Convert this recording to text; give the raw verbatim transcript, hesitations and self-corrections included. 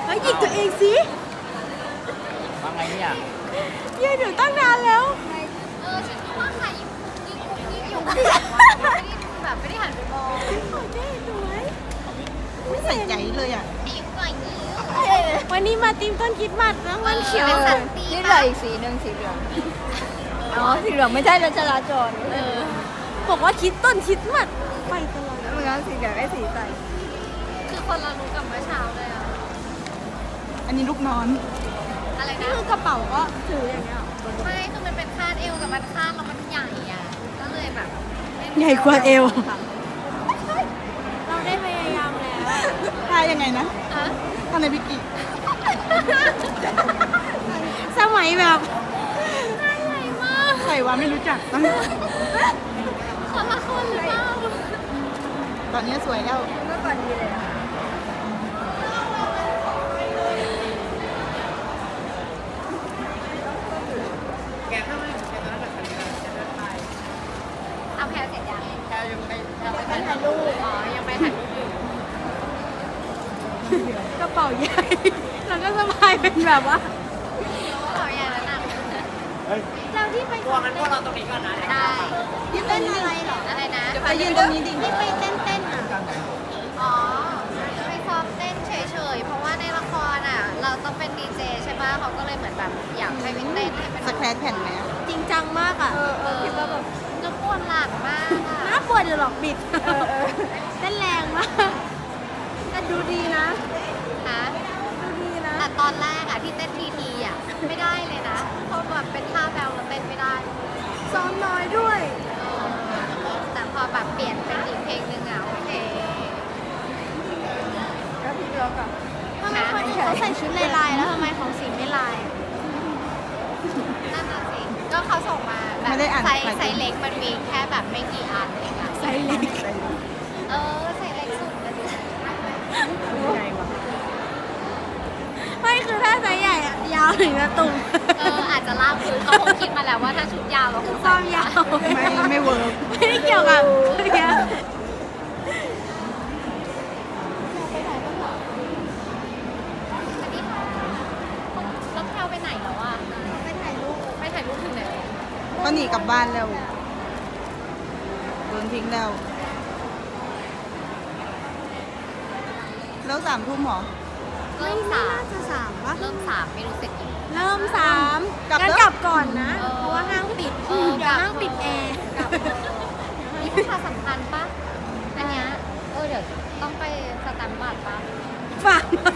ฮ้ยหยิกตัวเองสิว่าไงเนี่ยยืนอยู่ตั้งนานแล้วเออฉันก็ว่าใครยิงยิงยิงอยู่ข้างหลังวะไม่ได้แบบไม่ได้หันไปมองโอเคสวยไม่ใส่ใจเลยอ่ะยิงก่อนยิงวันนี้มาตีมต้นคริดมัดนะมันเขียวเป็นสันตินี่เหลืออีกสีหนึ่งสีเหลือง อ๋อ สีเหลืองไม่ใช่รถจราจรเออบอกว่าคิดต้นคริดมัดไปตลอดแล้วมันก็สีเหลืองไอ้สีใสคือคนละรู้กับเมื่อเช้าเลยอะอันนี้ลูกนอนอะไรนี่นะคือกระเป๋าก็ถืออย่างเงี้ยไม่คือมันเป็นคาดเอวแต่มันคาดแล้วมันใหญ่อะก็เลยแบบใหญ่กว่าเอว เราได้พยายามแล้วท่ายังไงนะอะท่าในวิกิสมัยแบบใหญ่มากใส่ว่าไม่รู้จักตั้งคนละคนหรือเปล่าตอนนี้สวยแล้วเมื่อก่อนดีเลยอะทำแพรเสร็จยังแค่ยังไม่แค่ไม่ไปถ่ายรูปอ๋อยังไปถ่ายรูปอยู่กระเป๋าใหญ่ แล้วก็สะพายเป็นแบบว่าขออย่างนั้นนะเฮ้ยเราที่ไปตัวมันพวกเราตรงนี้ก่อนนะได้ที่เต้นอะไรเหรออะไรนะไปยืนตรงนี้ดิที่ไปเต้นเต้นอ่ะอ๋อไปซ้อมเต้นเฉยๆ เพราะว่าในละครอ่ะ เราต้องเป็นดีเจใช่ปะเขาก็เลยเหมือนแบบอยากให้วินเต้นให้เป็นสแครชแผ่นไหมอะจริงจังมากอ่ะเออเออคิดว่าแบบจะปวดหลังมากอ่ะน่าปวดอยู่หรอกบิดเออเออเต้นแรงมากแต่ดูดีนะนะดูดีนะแต่ตอนแรกอ่ะที่เต้นทีทีอ่ะ ไม่ได้เลยนะ เพราะแบบเป็นท่าแบลแล้วเต้นไม่ได้ซ้อมน้อยด้วยเออแต่พอแบบเปลี่ยนเป็นอีกเพลงหนึ่งอ่ะโอเคก็พี่ล็อกอะทำไมคนอื่นเขาใส่ชุดลายๆแล้วทำไมของสีไม่ลายนั่นน่ะสิ ก็เขาส่งมาแบบไซส์ไซส์เล็กมันมีแค่แบบไม่กี่อันเองอ่ะไซส์เล็กเออไซส์เล็กสุดเลยใหญ่ว่ะไม่คือถ้าไซส์ใหญ่อะยาวถึงจะตุ่มเอออาจจะลากพื้นเขาคงคิดมาแล้วว่าถ้าชุดยาวเราคงซ้อมยาวไม่ไม่เวิร์กไม่ได้เกี่ยวกับเมื่อกี้สวัสดีค่ะแล้วแพลวไปไหนแล้วอ่ะไปถ่ายรูปไปถ่ายรูปถึงไหนก็หนีกลับบ้านแล้วโดนทิ้งแล้ว แล้วสามทุ่มเหรอเริ่มสามน่าจะสามปะเริ่มสามไม่รู้เสร็จกี่โมงเริ่มสามกลับงั้นแล้วกลับก่อนนะเออเพราะว่าห้างปิดเออเดี๋ยวห้างปิดแอร์กลับนี่ประชาสัมพันธ์ปะอันเนี้ยเออเดี๋ยวต้องไปสแตมป์บัตรปะ